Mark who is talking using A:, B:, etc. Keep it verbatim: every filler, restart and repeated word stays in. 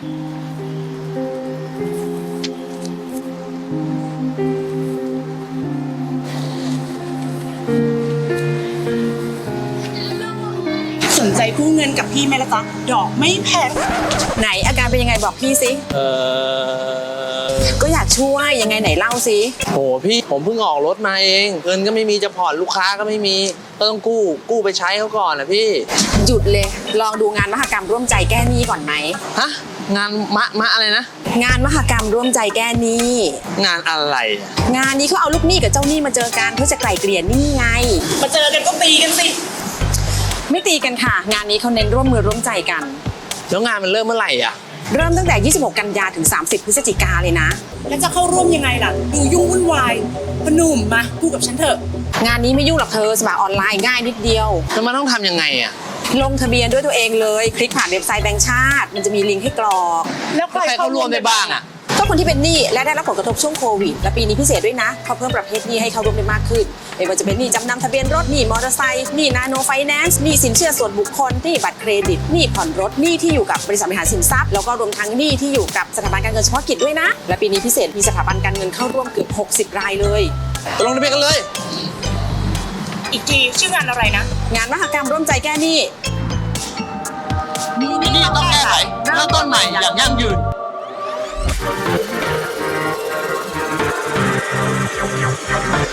A: สนใจกู้เงินกับพี่ไหมล่ะจ๊ะดอกไม่แพง
B: ไหนอาการเป็นยังไงบอกพี่สิ
C: เออ
B: ก็อยากช่วยยังไงไหนเล่าสิ
C: โหพี่ผมเพิ่งออกรถมาเองเงินก็ไม่มีจะผ่อนลูกค้าก็ไม่มีก็ต้องกู้กู้ไปใช้เขาก่อนนะพี่
B: หยุดเลยลองดูงานมหกรรมร่วมใจแก้หนี้ก่อนไหม
C: ฮะงานมะมะอะไรนะ
B: งานมหกรรมร่วมใจแก้หนี้
C: งานอะไร
B: งานนี้เขาเอาลูกหนี้กับเจ้าหนี้มาเจอกันเพื่อจะไกล่เกลี่ยหนี้ไง
A: มาเจอกันก็ตีกันสิ
B: ไม่ตีกันค่ะงานนี้เขาเน้นร่วมมือร่วมใจกัน
C: แล้วงานมันเริ่มเมื่อไหร่อ่ะ
B: เริ่มตั้งแต่ยี่สิบหกกันยาถึงสามสิบพฤศจิกาเลยนะ
A: แล้วจะเข้าร่วมยังไงล่ะดูยุ่งวุ่นวายพนุ่มมากู้กับฉันเถอะ
B: งานนี้ไม่ยุ่งหรอกเธอสมัครออนไลน์ง่ายนิดเดียว
C: แล้วมันต้องทำยังไงอ่ะ
B: ลงทะเบียนด้วยตัวเองเลยคลิกผ่านเว็บไซต์แบงก์ชาติมันจะมีลิงก์ให้กรอก
A: แล้วใคร
C: เข้าร่วมได้บ้างอ่ะ
B: ก็คนที่เป็นหนี้และได้รับผลกระทบช่วงโควิดและปีนี้พิเศษด้วยนะเขาเพิ่มประเภทหนี้ให้เข้าร่วมได้มากขึ้นไม่ว่าจะเป็นหนี้จำนำทะเบียนรถหนี้มอเตอร์ไซค์หนี้นาโนไฟแนนซ์หนี้สินเชื่อส่วนบุคคลหนี้บัตรเครดิตหนี้ผ่อนรถหนี้ที่อยู่กับบริษัทบริหารสินทรัพย์แล้วก็รวมทั้งหนี้ที่อยู่กับสถาบันการเงินเฉพาะกิจด้วยนะและปีนี้พิเศษมีสถาบันการเงินเข้าร่วมเกือบหกสิบรายเลย
C: ลงทะเบียนกันเลย
A: อีกทีชื่องานอะไรนะ
B: งานมหกรรมร่วมใจแก้หนี้
C: มีหนี้ต้องแก้ไขเริ่มต้นใหม่อย่างยั่งยืน
D: We'll be right back.